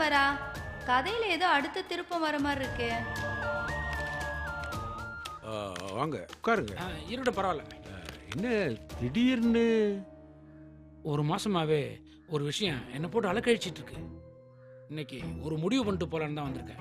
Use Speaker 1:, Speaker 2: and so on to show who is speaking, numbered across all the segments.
Speaker 1: வரா? கதையில ஏதோ அடுத்த திருப்பம் வர மாதிரி இருக்கு.
Speaker 2: வாங்க உட்காருங்க.
Speaker 3: இருட பரவாயில்ல.
Speaker 2: என்ன திடீர்னு?
Speaker 3: ஒரு மாசமாவே ஒரு விஷயம் என்னை போட்டு அலக்கழிச்சிட்டு இருக்கு. இன்னைக்கு ஒரு முடிவு பண்ணிட்டு போலான்னு தான் வந்திருக்கேன்.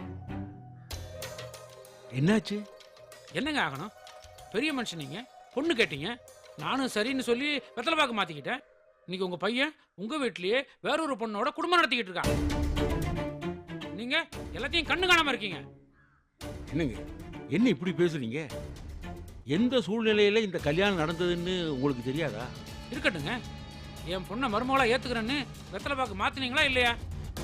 Speaker 2: என்னாச்சு?
Speaker 3: என்னங்க ஆகணும்? பெரிய மனுஷன் நீங்க, பொண்ணு கேட்டீங்க, நானும் சரின்னு சொல்லி வெத்தலை பாக்கு மாத்திக்கிட்டேன். இன்னைக்கு உங்க பையன் உங்க வீட்லயே வேறொரு பொண்ணோட குடும்பம் நடத்திக்கிட்டு இருக்கான். நீங்க எல்லாத்தையும் கண்ணு காணாம இருக்கீங்க.
Speaker 2: என்னங்க என்ன இப்படி பேசுறீங்க? எந்த சூழ்நிலையில இந்த கல்யாணம் நடந்ததுன்னு உங்களுக்கு தெரியாதா?
Speaker 3: இருக்கட்டுங்க, என் பொண்ணை மருமகளா ஏத்துக்கிறேன்னு வெத்தலை பாக்கு மாத்தினீங்களா இல்லையா?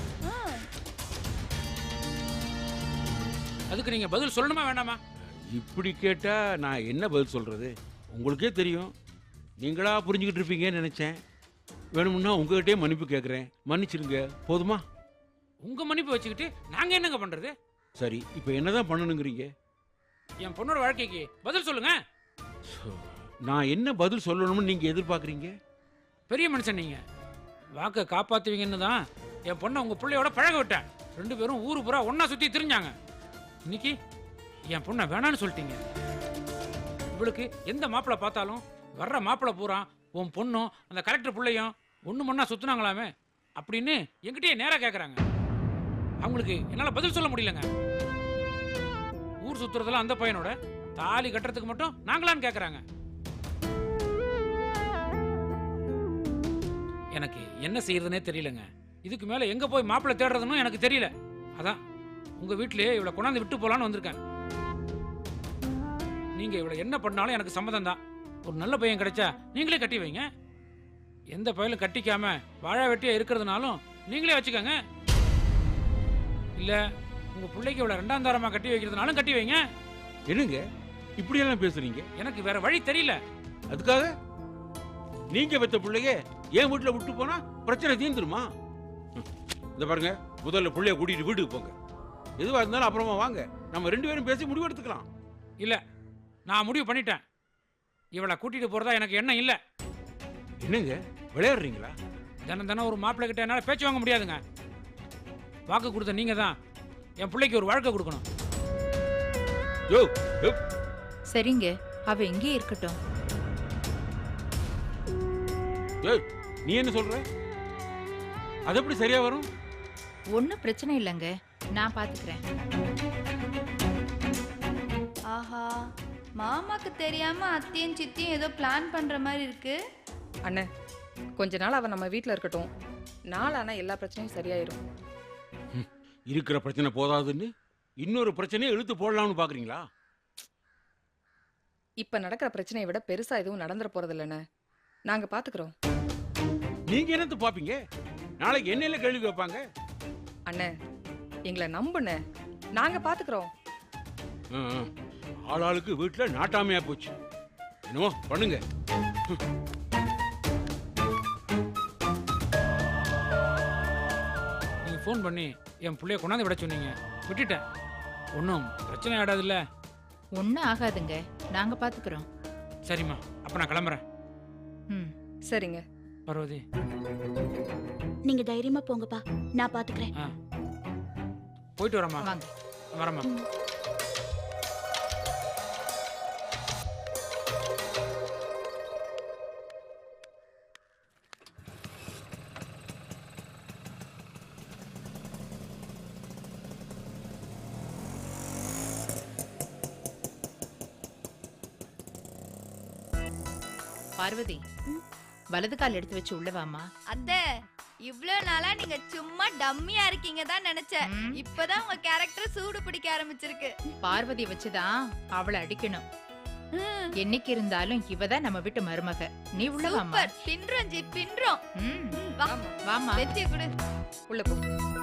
Speaker 3: அதுக்கு நீங்க பதில் சொல்லணுமா வேண்டாமா?
Speaker 2: இப்படி கேட்டா நான் என்ன பதில் சொல்றது? உங்களுக்கே தெரியும், நீங்களா புரிஞ்சுக்கிட்டு இருப்பீங்கன்னு நினைச்சேன். வேணும்னா உங்ககிட்டயே மன்னிப்பு கேட்குறேன், மன்னிச்சிருங்க. போதுமா?
Speaker 3: உங்க மன்னிப்பு வச்சுக்கிட்டு நாங்க என்னங்க பண்றது?
Speaker 2: சரி, இப்போ என்னதான் பண்ணணுங்கிறீங்க?
Speaker 3: என் பொண்ணோட வாழ்க்கைக்கு பதில் சொல்லுங்க.
Speaker 2: நான் என்ன பதில் சொல்லணும்னு நீங்க எதிர்பார்க்குறீங்க?
Speaker 3: பெரிய மனுஷன் நீங்க, வாக்கை காப்பாத்துவீங்கன்னு தான் என் பொண்ணை உங்க பிள்ளையோட பழக விட்டேன். 2 பேரும் ஊரு பூரா ஒன்னா சுத்தி திரிஞ்சாங்க. இன்னைக்கு என் பொண்ணை வேணான்னு சொல்லிட்டீங்க. இவளுக்கு எந்த மாப்பிள்ளை பார்த்தாலும் வர்ற மாப்பிள்ளை பூரா உன் பொண்ணும் அந்த கலெக்டர் பிள்ளையும் ஒன்று மண்ணா சுத்தினாங்களாமே அப்படின்னு என்கிட்டயே நேராக கேட்குறாங்க. அவங்களுக்கு என்னால் பதில் சொல்ல முடியலங்க. ஊர் சுத்துறதெல்லாம் அந்த பையனோட, தாலி கட்டுறதுக்கு மட்டும் நாங்களான்னு கேட்குறாங்க. எனக்கு என்ன செய்யறதுனே தெரியலங்க. இதுக்கு மேல எங்க போய் மாப்பிள்ளை தேடுறதுன்னு எனக்கு தெரியல. அதான் உங்க வீட்லயே இவளை கொண்டாந்து விட்டு போலான்னு வந்திருக்கேன். நீங்க இவளை என்ன பண்ணாலும் எனக்கு சம்மதம் தான். ஒரு நல்ல பையன் கிடைச்சா நீங்களே கட்டி வைங்க. எந்த பையலும் கட்டிக்காம வாழா வெட்டியா இருக்கிறதுனாலும் நீங்களே வச்சுக்கோங்க. இல்ல உங்க பிள்ளைக்கு இவளை 2ஆம் தாரமா கட்டி வைக்கிறதுனாலும் கட்டி வைங்க.
Speaker 2: என்னங்க இப்படியெல்லாம் பேசுறீங்க?
Speaker 3: எனக்கு வேற வழி தெரியல.
Speaker 2: அதுக்காக நீங்க பெத்த பிள்ளைய என் வீட்டுல விட்டு போனா பிரச்சனை தீர்ந்துருமா? இந்த பாருங்க, முதல்ல பிள்ளைய கூட்டிட்டு வீட்டுக்கு போங்க. எதுவா இருந்தாலும் அப்புறமா வாங்க, நம்ம 2 பேரும் பேசி முடிவு எடுத்துக்கலாம்.
Speaker 3: இல்ல, நான் முடிவு பண்ணிட்டேன். இவளை கூட்டிட்டு போறதா எனக்கு எண்ணம் இல்ல.
Speaker 2: என்னங்க விளையாடுறீங்களா?
Speaker 3: தினம் ஒரு மாப்பிள்ளை கிட்ட என்னால பேச்சு வாங்க முடியாதுங்க. வாக்கு கொடுத்த நீங்க தான் என் பிள்ளைக்கு ஒரு வாழ்க்கை கொடுக்கணும்.
Speaker 2: யோ, யோ.
Speaker 4: சரிங்க, அவ எங்கே இருக்கட்டும்.
Speaker 2: ஏய், நீ என்ன சொல்ற? அது எப்படி சரியா வரும்?
Speaker 4: ஒன்னும் பிரச்சனை இல்லைங்க, நான் பாத்துக்கிறேன்.
Speaker 1: ஆஹா, மாமாக்கு தெரியாம அத்தையும் சித்தியும் ஏதோ பிளான் பண்ற மாதிரி இருக்கு.
Speaker 5: அண்ணே, கொஞ்ச நாள் அவ நம்ம வீட்டில் இருக்கட்டும். நாளானா எல்லா பிரச்சனையும் சரியாயிரும்.
Speaker 2: இருக்கிற பிரச்சனை போதாதுன்னு இன்னொரு பிரச்சனையை இழுத்து போடலாம்னு பாக்குறீங்களா?
Speaker 5: இப்ப நடக்கிற பிரச்சனையை விட பெருசா எதுவும் நடந்துற போறது இல்லைண்ணே. நாங்க பாத்துக்கிறோம்.
Speaker 2: நீங்க என்னத்து பாப்பீங்க? நாளைக்கு என்னையில கேள்வி வைப்பாங்க.
Speaker 5: அண்ணே, எங்களை நம்புண்ணே, நாங்க பாத்துக்கிறோம்.
Speaker 2: ஆளாளுக்கு வீட்டுல நாட்டாமையா போச்சு. என்னமோ பண்ணுங்க.
Speaker 3: நீங்க ஃபோன் பண்ணி என் பிள்ளைய கொண்டாந்து விட சொன்னீங்க, விட்டுட்டேன். ஒன்றும் பிரச்சனை ஆடாதுல்ல?
Speaker 4: ஒன்னும் ஆகாதுங்க, நாங்க பாத்துக்கிறோம்.
Speaker 3: சரிம்மா, அப்ப நான் கிளம்புறேன்.
Speaker 4: ம்,
Speaker 5: சரிங்க.
Speaker 3: பார்வதி,
Speaker 6: நீங்க தைரியமா போங்கப்பா, நான் பாத்துக்கிறேன்.
Speaker 3: போயிட்டு வரேம்மா.
Speaker 4: வாங்க.
Speaker 3: வரேம்மா.
Speaker 4: பார்வதி, வலது கால் எடுத்து வச்சு உள்ள வாமா.
Speaker 1: அத்தை, இவ்வளவு நாளா நீங்க சும்மா டம்மியா இருக்கீங்க தான் நினைச்சேன். இப்பதான் உங்க கேரக்டர் சூடு பிடிக்க ஆரம்பிச்சிருக்கு.
Speaker 4: பார்வதி வச்சுதான் அவளை அடிக்கணும். என்னைக்கு இருந்தாலும் இவதான் நம்ம வீட்டு மருமக. நீ உள்ள வாமா.
Speaker 1: சூப்பர், பின்றோம் ஜி, பின்றோம்.
Speaker 4: வாமா.
Speaker 1: வெற்றி கொடு.
Speaker 5: உள்ள போ.